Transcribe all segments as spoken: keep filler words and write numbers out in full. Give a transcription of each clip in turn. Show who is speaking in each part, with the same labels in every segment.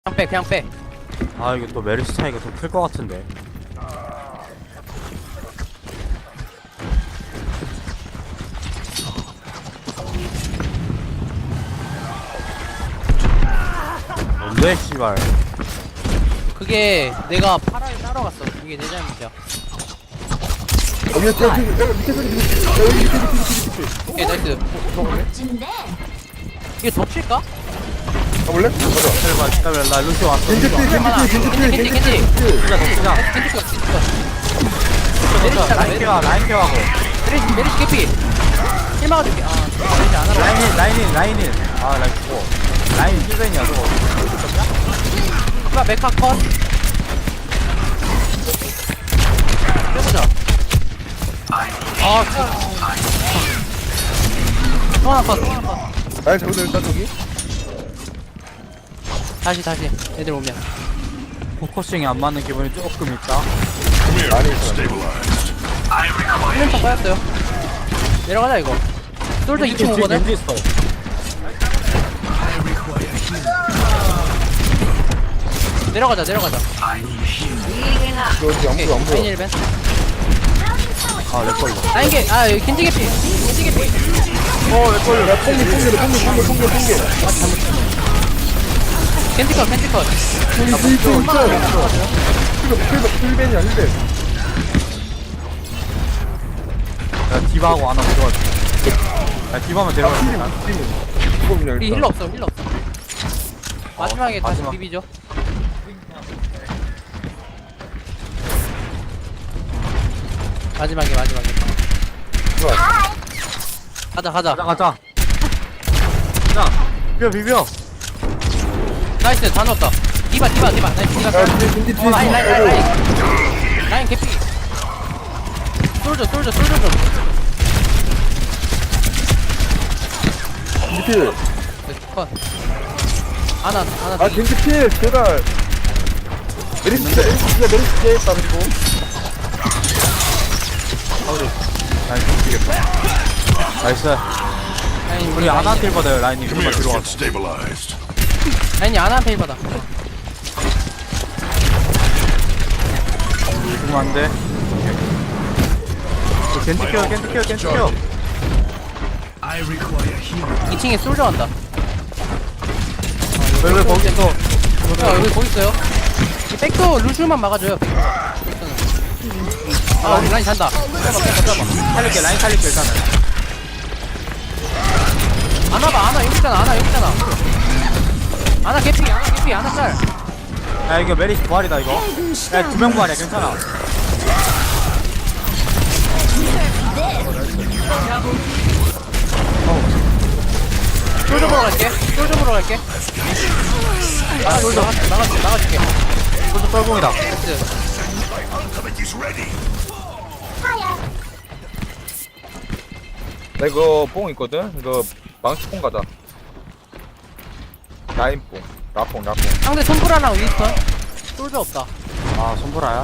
Speaker 1: 그냥 빼 그냥 빼.
Speaker 2: 아 이거 또 메르시 차이가 더 클 것 같은데. 뭔데 씨발.
Speaker 1: 그게 내가 파라를 따러 갔어. 그게 내 잘못이야.
Speaker 3: 어, 밑에, 밑에, 밑에, 밑에 소리, 밑에, 야, 여기 밑에, 밑에, 밑에, 밑에.
Speaker 1: 오케이 나이스.
Speaker 3: 먹을래?
Speaker 1: 이게 덮칠까?
Speaker 3: 가볼래? 가자.
Speaker 2: 기다려봐 기다려 나 루시 왔어.
Speaker 3: 겐지 필, 겐지
Speaker 1: 얼마나?
Speaker 3: 필, 겐지 필,
Speaker 1: 겐지,
Speaker 3: 겐지
Speaker 1: 겐지.
Speaker 3: 필.
Speaker 2: 진짜 더 쓰자.
Speaker 1: 캔디 컷 캔디 컷.
Speaker 2: 더 라인 케어 라인 케어하고.
Speaker 1: 메리시 메리시 개피. 힐 막아줄게. 아 메리시 안 하라.
Speaker 2: 라인인 라인인 라인인. 아 라인 죽어. 라인 힐벤이야 저거.
Speaker 1: 누가 메카 컷. 해보자. 아 컷. 또 하나 컷. 또 하나 컷.
Speaker 3: 아니, 저기서 일단 저기.
Speaker 1: 다시 다시 애들 오면.
Speaker 2: 포커싱이 안 맞는 기분이 조금 있다.
Speaker 3: 많이 있어.
Speaker 1: 힐맨 빠졌어요. 내려가자 이거. 솔저 이 층 오거든.
Speaker 2: 겐지 있어.
Speaker 1: 내려가자 내려가자.
Speaker 3: 여기 안
Speaker 1: 오케이
Speaker 3: 보여, 안 보여.
Speaker 1: 라인 힐맨.
Speaker 2: 아 렉걸려.
Speaker 1: 라인 개. 아 여기 겐지 개피. 겐지 개피.
Speaker 3: 어, 왜 걸려? 야, 뽕개, 뽕개, 뽕개, 뽕개, 뽕개, 뽕개.
Speaker 1: 겐지 컷 겐지 컷.
Speaker 3: 뽕개, 뽕개, 뽕개. 힐백, 힐백, 힐벤이야, 힐벤.
Speaker 2: 야 디바하고 하나 들어가자. 야 디바만 데려가.
Speaker 3: 팀이, 팀이. 이거 그냥
Speaker 1: 우리
Speaker 3: 일단.
Speaker 1: 힐러 없어 힐러 없어. 마지막에
Speaker 2: 어,
Speaker 1: 다시
Speaker 2: 마지막.
Speaker 1: 비비죠. 마지막에 마지막에.
Speaker 3: 좋아.
Speaker 1: 가자 가자.
Speaker 2: 가자 가자. 자 비벼 비벼.
Speaker 1: 나이스 다 넣었다. 디바 디바 디바 나이스 디바.
Speaker 3: 야, 뒤에, 겐지 뒤에,
Speaker 1: 어, 라인 라인 라인
Speaker 3: 뒤에.
Speaker 1: 라인. 라인 개피. 솔져 솔져 솔져 좀.
Speaker 3: 겐지 필.
Speaker 1: 컷. 아나 아나.
Speaker 3: 아, 겐지 필, 제발. 메리스 진짜, 진짜 메리스 진짜 했다, 그리고.
Speaker 2: 라인 죽이겠다. 나이스.
Speaker 1: 라인
Speaker 2: 우리 아나한테 일 받아요 라인이. 그만 들어가.
Speaker 4: stabilized.
Speaker 1: 라인이 아나한테 힐 받아.
Speaker 2: 죽으면 안 돼. 겐지 켜 겐지 켜 겐지 켜.
Speaker 4: I require healing.
Speaker 1: 이 층에 솔져 간다.
Speaker 2: 왜 왜 거기 있어?
Speaker 1: 야 여기 뭐 있어요? 이 백도 루슈만 막아줘요. 아 우리 라인 잔다. 빼봐 빼봐 빼봐.
Speaker 2: 살릴게 라인 살릴게 일단은.
Speaker 1: 아나 봐 아나 여기 있잖아 아나 여기 있잖아. 아나 개피 아나 개피 아나 짤.
Speaker 2: 야 이거 메리시 부활이다 이거. 야 두 명 부활이야 괜찮아.
Speaker 1: 솔져 보러 갈게. 솔져 보러 갈게. 아 솔져 나가 나가 나가줄게.
Speaker 2: 솔저 썰공이다.
Speaker 1: 됐어.
Speaker 3: 나 이거 뽕 있거든? 이거 망치 뽕 가자. 라인 뽕. 라뽕, 라뽕.
Speaker 1: 상대 손브라랑 윈스턴. 솔져 없다.
Speaker 2: 아 손보라야?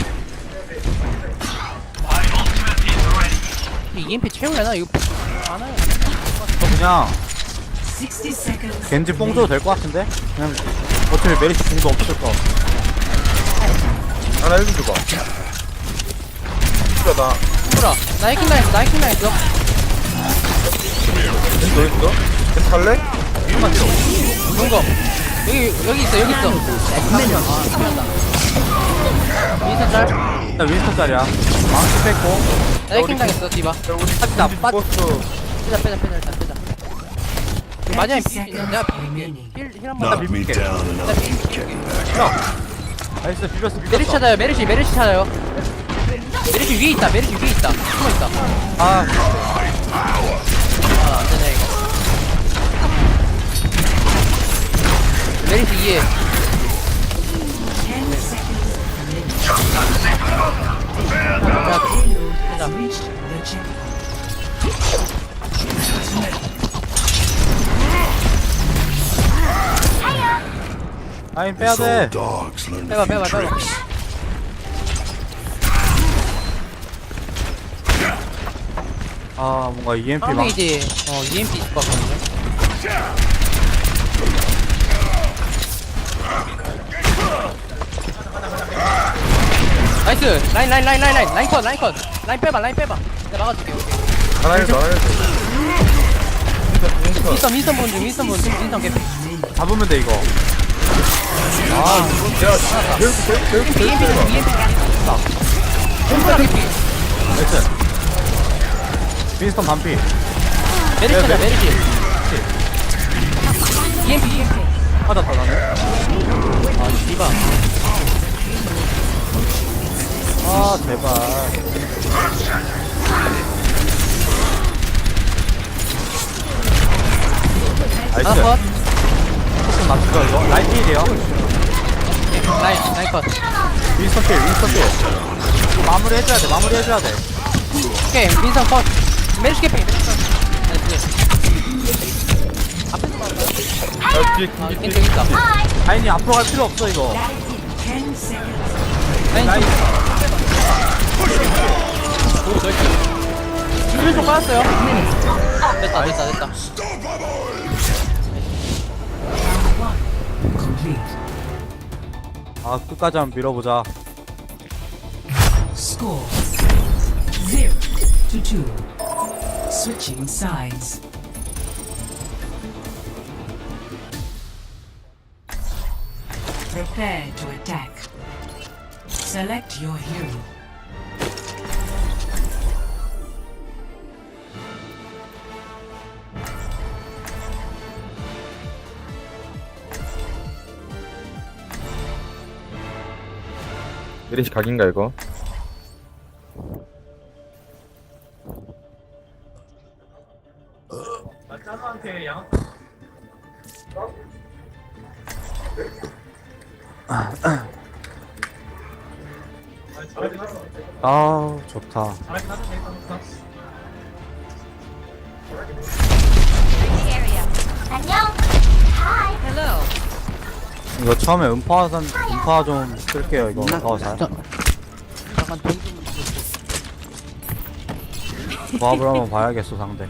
Speaker 1: 이 이엠피 채우려나 이거 안아요.
Speaker 2: 그냥 겐지 뽕 줘도 될 것 같은데? 그냥 어차피 메리시 궁도 없을 거.
Speaker 3: 하나 해준 줘봐. 진짜 나.
Speaker 1: 손브라 나 해킹 당했어 나 해킹 당했어.
Speaker 3: 겐지 어디 있어? 겐지 갈래?
Speaker 2: 위만 들어.
Speaker 1: 동거 여기 여기 있어 여기 있어. 아 피한다. 윈스턴 짤.
Speaker 2: 나 윈스턴 짜리야. 망치 뺐고.
Speaker 1: 나 해킹 당했어 디바.
Speaker 3: 야, 우리
Speaker 2: 나
Speaker 3: 겐지
Speaker 2: 빠-
Speaker 3: 버스.
Speaker 1: 빼자 빼자 빼자 일단 빼자. 마지막에 피 내가 힐힐한 번.
Speaker 4: Knock me down and I'll keep getting back.
Speaker 2: 나이스 비벼스
Speaker 1: 메리시
Speaker 2: 비벼스.
Speaker 1: 찾아요 메리시 메리시 찾아요. 메리시 위에 있다 메리시 위에 있다 숨어 있다.
Speaker 2: 아
Speaker 1: 아 안되네 이거. 메리시 위에. 자,
Speaker 2: 라인 빼야
Speaker 4: So
Speaker 2: 돼.
Speaker 4: dogs learn
Speaker 1: 빼봐
Speaker 4: a few
Speaker 1: 빼봐 빼봐.
Speaker 4: tricks.
Speaker 2: 아 뭔가 이엠피
Speaker 1: 상대
Speaker 2: 막.
Speaker 1: 이제 어 이엠피 있을 것 같거든요. 나이스. 라인 라인 라인 라인 라인 라인 컷 라인 컷. 라인 빼봐 라인 빼봐. 내가 막아줄게. 오케이.
Speaker 3: 나가야겠다 나가야겠다
Speaker 1: 윈스턴 윈스턴 본중 윈스턴 본중 윈스턴 개피.
Speaker 2: 잡으면 돼 이거.
Speaker 3: 아 내가 계속 계속 계속
Speaker 1: 이엠피 이엠피
Speaker 3: 계속
Speaker 1: 이엠피. 윈스턴 개피.
Speaker 2: 나이스. 윈스턴 반피.
Speaker 1: 메리시다
Speaker 2: 네, 네.
Speaker 1: 메리시. 이엠피 이엠피.
Speaker 2: 맞았다 나는.
Speaker 1: 아 디바.
Speaker 2: 아 제발. 나이스.
Speaker 1: 하나 컷.
Speaker 2: 조금 맞추죠 이거. 라인 필이에요.
Speaker 1: 라인 라인 컷.
Speaker 2: 윈스턴 필 윈스턴 필. 이거 마무리 해줘야 돼 마무리 해줘야 돼.
Speaker 1: 오케이 윈스턴 컷. 메리시 개피. 메리시 컷. 나이스. 앞에서 막을까요?
Speaker 3: 야 뒤에
Speaker 1: 아
Speaker 3: 뒤에
Speaker 1: 괜찮 있다.
Speaker 2: 라인이 앞으로 갈 필요 없어 이거.
Speaker 1: 라인
Speaker 2: 라인.
Speaker 1: 좀. 오 나이스. 수비 좀 빠졌어요. 됐다 됐다 됐다.
Speaker 2: 아 끝까지 한번 밀어보자.
Speaker 5: Score zero to two. Switching sides. Prepare to attack. Select your hero.
Speaker 3: 메리시 각인가 이거
Speaker 2: 아 좋다. 이거 처음에 음파 산 음파 좀 쓸게요 이거. 어 잘.
Speaker 1: 잠깐 돈 좀.
Speaker 2: 조합을 한번 봐야겠어 상대.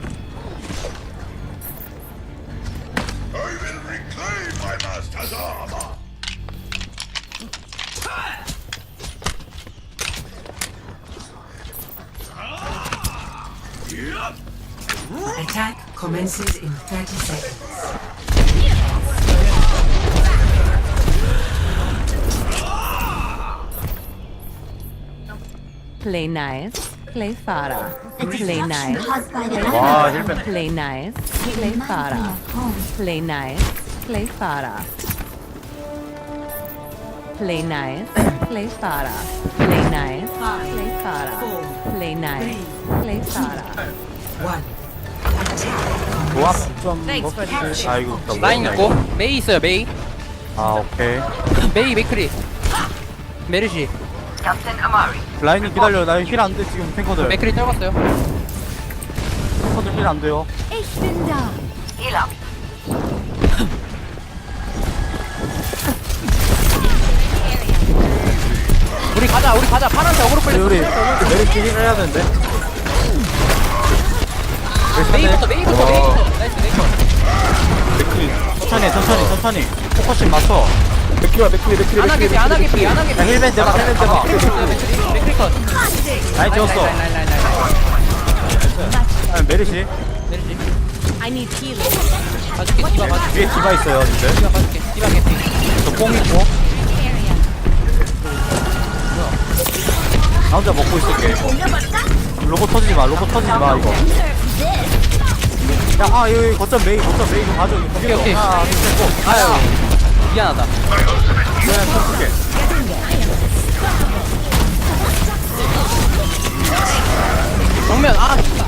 Speaker 5: Attack commences in thirty seconds.
Speaker 6: Play nice, play Farah. Play nice,
Speaker 2: 와 힐벤.
Speaker 6: play nice, play Farah. Play nice, play Farah. Play nice, play Farah. Play nice, play Farah. Play nice, play Farah.
Speaker 5: One.
Speaker 2: 조합 좀 먹지. 아 이거 진짜
Speaker 1: 라인
Speaker 2: 뭐야,
Speaker 1: 있고
Speaker 2: 이거.
Speaker 1: 메이 있어요 메이.
Speaker 2: 아 오케이.
Speaker 1: 메이 메이크리. 메르시.
Speaker 2: 라인이 기다려. 라인 힐 안 돼 지금 탱커들.
Speaker 1: 메이크리 떨궜어요.
Speaker 2: 탱커들 힐 안 돼요.
Speaker 1: 우리 가자 우리 가자 파란색 어그로
Speaker 2: 우리
Speaker 1: 끌려.
Speaker 2: 우리 메리트 힐 해야 되는데.
Speaker 1: 메이부터 메이부터 메이부터. 나이스 메이부터.
Speaker 3: 맥크리
Speaker 2: 천천히 천천히 천천히. 포커싱 맞춰.
Speaker 3: 맥크리와 맥크리 맥크리
Speaker 1: 안하게피 안하게피 안하게피.
Speaker 2: 야 힐벤 대박 힐벤 대박.
Speaker 1: 메이크리 메이크리 컷.
Speaker 2: 라인 지웠어.
Speaker 1: 라인 라인 라인 라인 라인.
Speaker 2: 아, 메리시.
Speaker 1: 메르시.
Speaker 6: I need healing.
Speaker 1: 봐줄게 디바 봐줄게.
Speaker 2: 위에 디바 있어요 근데.
Speaker 1: 디바 봐줄게. 디바 개피.
Speaker 2: 저뽕 있고. 나 혼자 먹고 있을게. 로봇 터지지 마. 로봇 터지지 마 이거. 야, 아 여기 거점 메이 거점 메이 좀 가져.
Speaker 1: 오케이, 오케이.
Speaker 2: 하나 둘 셋 고.
Speaker 1: 아유 미안하다.
Speaker 2: 그냥 쳐줄게.
Speaker 1: 정면 아 진짜.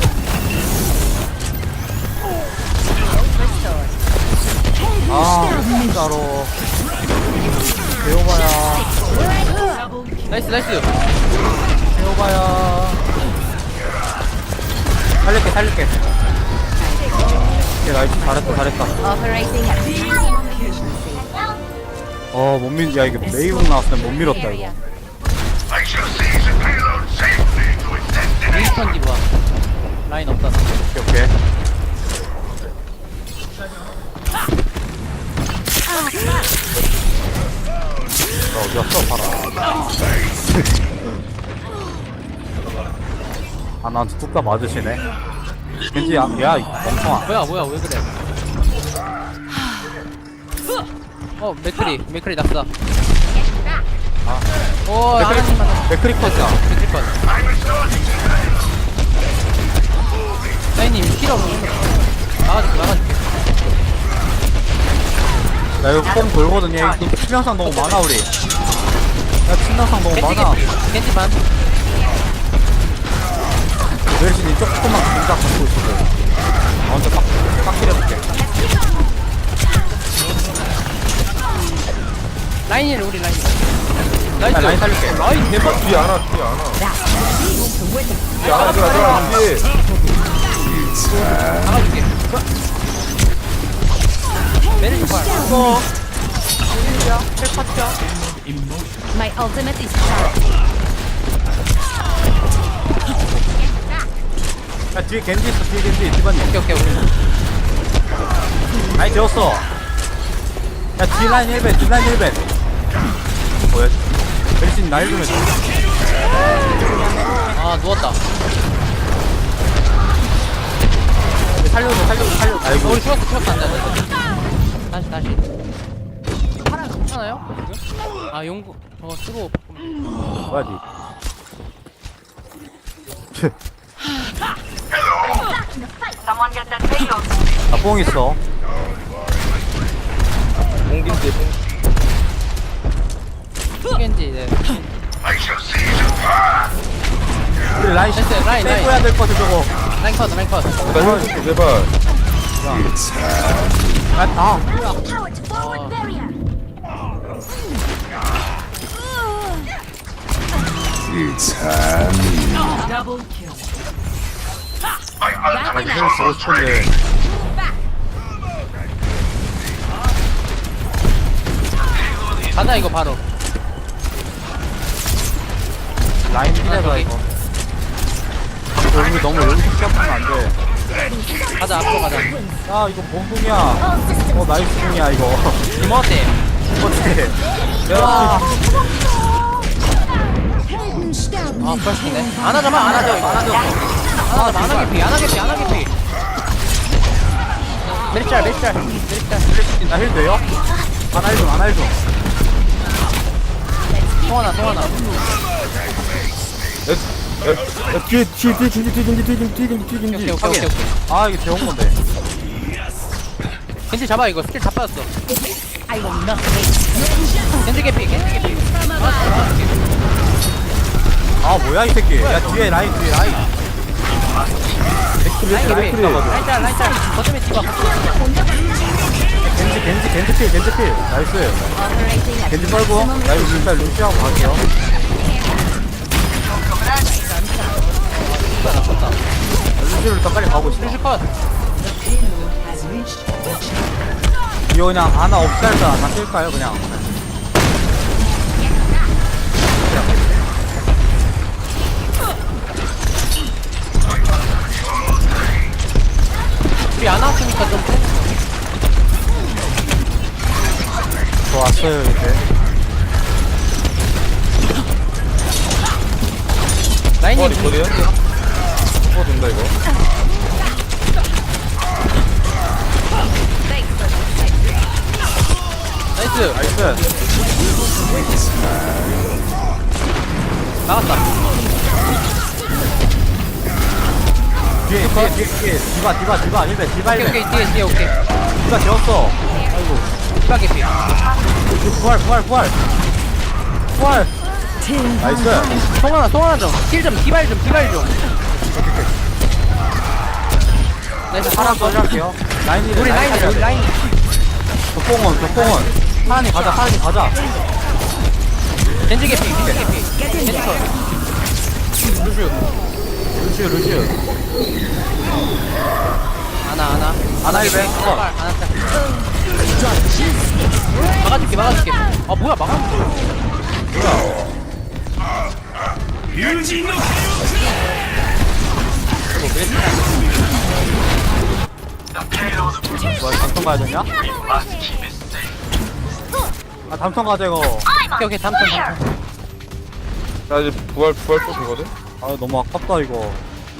Speaker 2: 아 진짜로. 배워봐야.
Speaker 1: 나이스 나이스.
Speaker 2: 배워봐야. 살릴게 살릴게. 오케이 나이스 잘했다 잘했다.
Speaker 6: Operating at maximum efficiency.
Speaker 2: 어 못 밀. 야 이거 메이북 나왔으면 못 밀었다 이거.
Speaker 4: I shall seize the payload safely to its destination.
Speaker 1: 윈스턴 디바. 라인 없다.
Speaker 2: 오케이 오케이. 너 어디 갔어 봐라. 아 나한테 뚝딱 맞으시네. 겐지 야, 야 이 멍청아.
Speaker 1: 뭐야 뭐야 왜 그래? 어 맥크리 맥크리 낙사.
Speaker 2: 아.
Speaker 1: 오 하나님만
Speaker 2: 맥크리 컷이야.
Speaker 1: 맥크리 컷. 사인님 힐 없는 막아줄게 막아줄게.
Speaker 2: 나 이거 뽕 돌거든요. 이거 치명상 너무 많아 우리. 야 치명상 너무
Speaker 1: 겐지
Speaker 2: 많아.
Speaker 1: 겐지 겐지만.
Speaker 2: 멜신이 조금만 공작 갖고 있어도 나 혼자 빡, 빡킬해볼게.
Speaker 1: 라인이를 우리 라인. 나이스.
Speaker 2: 야, 라인 살릴게.
Speaker 1: 라인 대박.
Speaker 3: 뒤에 안와 뒤에 안와 뒤에 안와 들어가 들어가 뒤에
Speaker 1: 막아줄게. 메르시 팔. 이거. 메르시야. 헬파티야.
Speaker 6: My ultimate is charged.
Speaker 2: 야 뒤에 겐지 있어. 뒤에 겐지. 디바님.
Speaker 1: 오케이 오케이 오케이.
Speaker 2: 라인 재웠어. 야 뒤에 라인 일 배. 뒤에 라인 일 배. 뭐야? 멜신 나일 좀 해줘.
Speaker 1: 아 누웠다.
Speaker 2: 살려줘 살려줘 살려줘. 아이고.
Speaker 1: 우리 죽었어 죽었어 안돼 안돼. 다시 다시. 파란 괜찮아요? 지금? 아 용구 저거 쓰고 바꾸면.
Speaker 2: 뭐야 니. 나뽕 있어.
Speaker 3: 공긴지
Speaker 1: 겐지 네.
Speaker 4: I shall seize and pass.
Speaker 2: 우리 라인
Speaker 1: 됐어요, 라인, 라인.
Speaker 2: 빼고야 될 것 같아 저거.
Speaker 1: 라인 컷 라인 컷.
Speaker 3: 나 힐 제발
Speaker 2: 아 다.
Speaker 5: Double kill.
Speaker 4: My ultimate
Speaker 2: 힐 쓰고 싶은데.
Speaker 1: 가자 이거 바로.
Speaker 2: 라인 피해라 이거. 여기 너무 여기서 시작하면 안 돼.
Speaker 1: 가자 앞으로 가자.
Speaker 2: 야 이거 뭔 궁이야. 어 나이스 궁이야 이거.
Speaker 1: 이모한테.
Speaker 2: 어때? 야
Speaker 1: 아 벌써네. 안 하자마 안 하자 이거 안 하자. 안 하자 안 하게 피 안 하게 피 안 하게 피. 메리짤 메리짤 메리짤.
Speaker 2: 나힐 돼요? 안할 좀, 안할 좀.
Speaker 1: 송하나 송하나.
Speaker 3: 야, 야, 뒤에 뒤에 뒤에 겐지 뒤에 겐지 뒤에 겐지 뒤에 겐지 뒤에
Speaker 1: 오케이
Speaker 3: 겐지
Speaker 1: 오케이 오케이 오케이.
Speaker 2: 아 이게 재운 건데.
Speaker 1: 겐지 잡아 이거 스킬 다 빠졌어. 겐지 개피 겐지 개피.
Speaker 2: 아 뭐야 이 새끼. 야 뒤에 라인, 뒤에 라인.
Speaker 1: 라인 개피.
Speaker 2: 맥크리.
Speaker 1: 라인짤 라인짤. 거점에 집어.
Speaker 2: 겐지, 겐지, 겐지 필, 겐지 필. 나이스. 겐지 빨고. 나 이거 일단 루시하고 갈게요. 루시를 일단 빨리 가고 있어.
Speaker 1: 루시 컷.
Speaker 2: 이거 그냥 하나 없살자 다 쓸까요 그냥?
Speaker 1: 우리 안 왔으니까 좀.
Speaker 2: 좋았어요 이제.
Speaker 1: 라인이
Speaker 3: 어디 어디야? 어 된다 이거
Speaker 1: 나이스.
Speaker 2: 나이스.
Speaker 1: 나갔다.
Speaker 2: 뒤에, 뒤에, 뒤에, 뒤에. 디바, 디바, 디바. 일배, 디바,
Speaker 1: 오케이
Speaker 2: 일배.
Speaker 1: 오케이 뒤에 뒤에 오케이.
Speaker 2: 디바 재웠어. 아이고.
Speaker 1: 디바 개피.
Speaker 2: 이거 부활, 부활, 부활. 부활. 나이스.
Speaker 1: 송하나 송하나 좀. 힐 좀 디발 좀 디발 좀. 나이스
Speaker 2: 하나
Speaker 1: 하나
Speaker 2: 더 할게요. 라인이
Speaker 1: 우리 라인 우리 라인.
Speaker 2: 덕봉원, 덕봉원. 하나님 가자, 하나님 가자.
Speaker 1: 겐지 개피 겐지 개피. 겐지 컷. 루슈.
Speaker 2: 루시우, 루시우.
Speaker 1: 하나 하나.
Speaker 2: 하나 일배.
Speaker 1: 하나 빨 하나 짤. 막아줄게 막아줄게. 아 뭐야 막아줄게.
Speaker 2: 뭐야, 담통 가야 되냐? 아, 담통 가자, 이거.
Speaker 1: 오케이 오케이 담턴 담턴.
Speaker 3: 나 이제 부활 부활 또 되거든.
Speaker 2: 아 너무 아깝다 이거.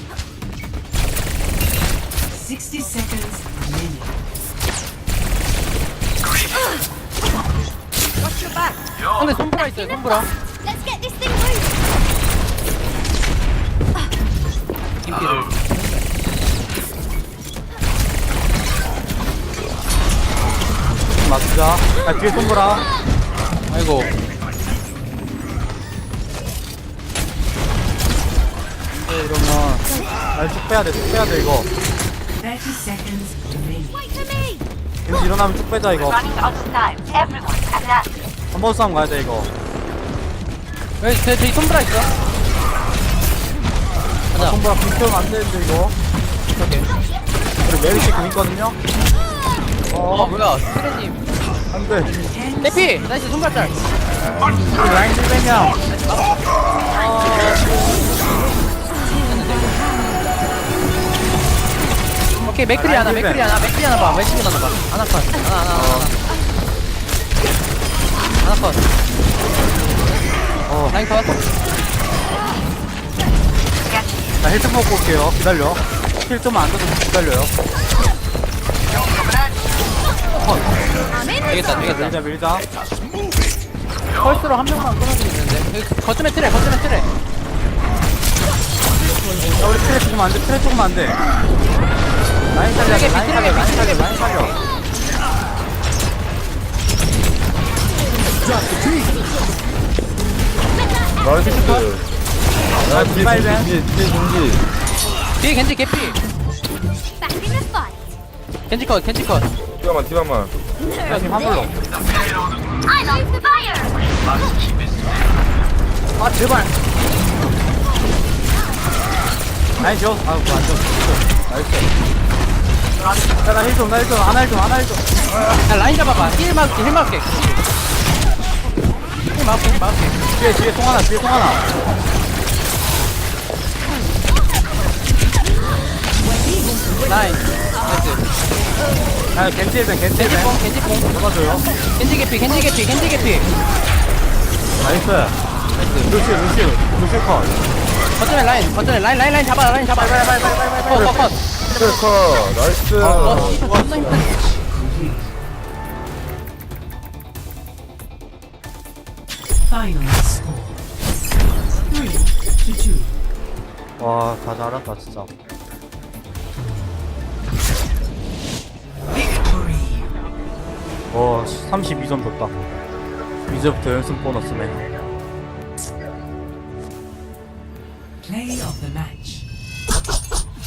Speaker 5: sixty seconds remaining.
Speaker 1: 근데 손브라 있어요 손브라.
Speaker 7: Let's get this thing moving.
Speaker 1: 김피를.
Speaker 2: 맞자. 야 뒤에 손보라.
Speaker 1: 아이고.
Speaker 2: 근데 이러면 날쭉 빼야 돼. 쭉 빼야 돼 이거.
Speaker 5: thirty seconds remaining.
Speaker 7: Wait for me.
Speaker 2: 겐지 일어나면 쭉 빼자 이거. 한 번 싸움 가야 돼 이거.
Speaker 1: 왜 제, 저기 손브라 있어? 가자.
Speaker 2: 손보라 불 태우면 안 되는데 이거.
Speaker 1: 오케이.
Speaker 2: 그리고 메리시 공 있거든요.
Speaker 1: 어 뭐야 스레님.
Speaker 2: 안 돼.
Speaker 1: 대피 나이스 손브라 짤.
Speaker 2: 우리 라인 힐벤이야.
Speaker 1: 오케이 맥크리 하나 맥크리 하나 맥크리 하나 봐 맥크리 하나 봐 하나 컷 하나 하나 하나 하나 컷
Speaker 2: 어.
Speaker 1: 라인 컷.
Speaker 2: 나 힐좀 먹고 올게요. 기다려. 힐 좀 안 줘도 기다려요.
Speaker 1: 되겠다 되겠다.
Speaker 2: 밀자 밀자.
Speaker 1: 펄스로 한 명만 끊어주면 되는데 여기 거점에 트레 거점에 트레.
Speaker 2: 야 우리 트레 조금 안 돼. 트레 조금 안 돼. 라인 살려. 라인 살려. 라인 살려. 라인 살려.
Speaker 3: 나이스. 야 뒤에
Speaker 2: 디바이벤.
Speaker 3: 겐지, 뒤에 뒤에 겐지.
Speaker 1: 뒤에 겐지 개피.
Speaker 7: Back in the fight.
Speaker 1: 겐지 컷 겐지 컷.
Speaker 3: 디바만 디바만.
Speaker 2: 야님 한불로.
Speaker 7: I like the fire.
Speaker 2: 아 제발. 라인 지워. 아 그거 안 지웠어. 나이스. 야나 힐 좀. 나 힐 좀. 안나 힐 좀. 안나 힐 좀.
Speaker 1: 야 라인 잡아봐. 힐 막게 힐 막게. 힐 막게 힐 막게.
Speaker 2: 뒤에 뒤에 통 하나. 뒤에 통 하나.
Speaker 1: 라인. 나이스.
Speaker 2: 야 겐지 힐벤. 겐지
Speaker 1: 겐지
Speaker 2: 힐벤.
Speaker 1: 뽕 겐지 뽕.
Speaker 2: 잡아줘요.
Speaker 1: 겐지 개피 겐지 개피 겐지 개피.
Speaker 2: 나이스.
Speaker 1: 나이스.
Speaker 2: 루시 루시 루시 컷.
Speaker 1: 거점에 라인 거점에 라인 라인 라인 잡아 라인 잡아. 빨리 빨리 빨리 빨리 빨리. 컷 컷.
Speaker 3: 트래커 나이스.
Speaker 1: 어 이거 존나 힘들어.
Speaker 5: Final score. Three to two.
Speaker 2: 와, 다 잘한다 진짜.
Speaker 5: Victory.
Speaker 2: 와, 삼십이 점 줬다. 이제부터 연습 보너스네.
Speaker 5: Play of the match.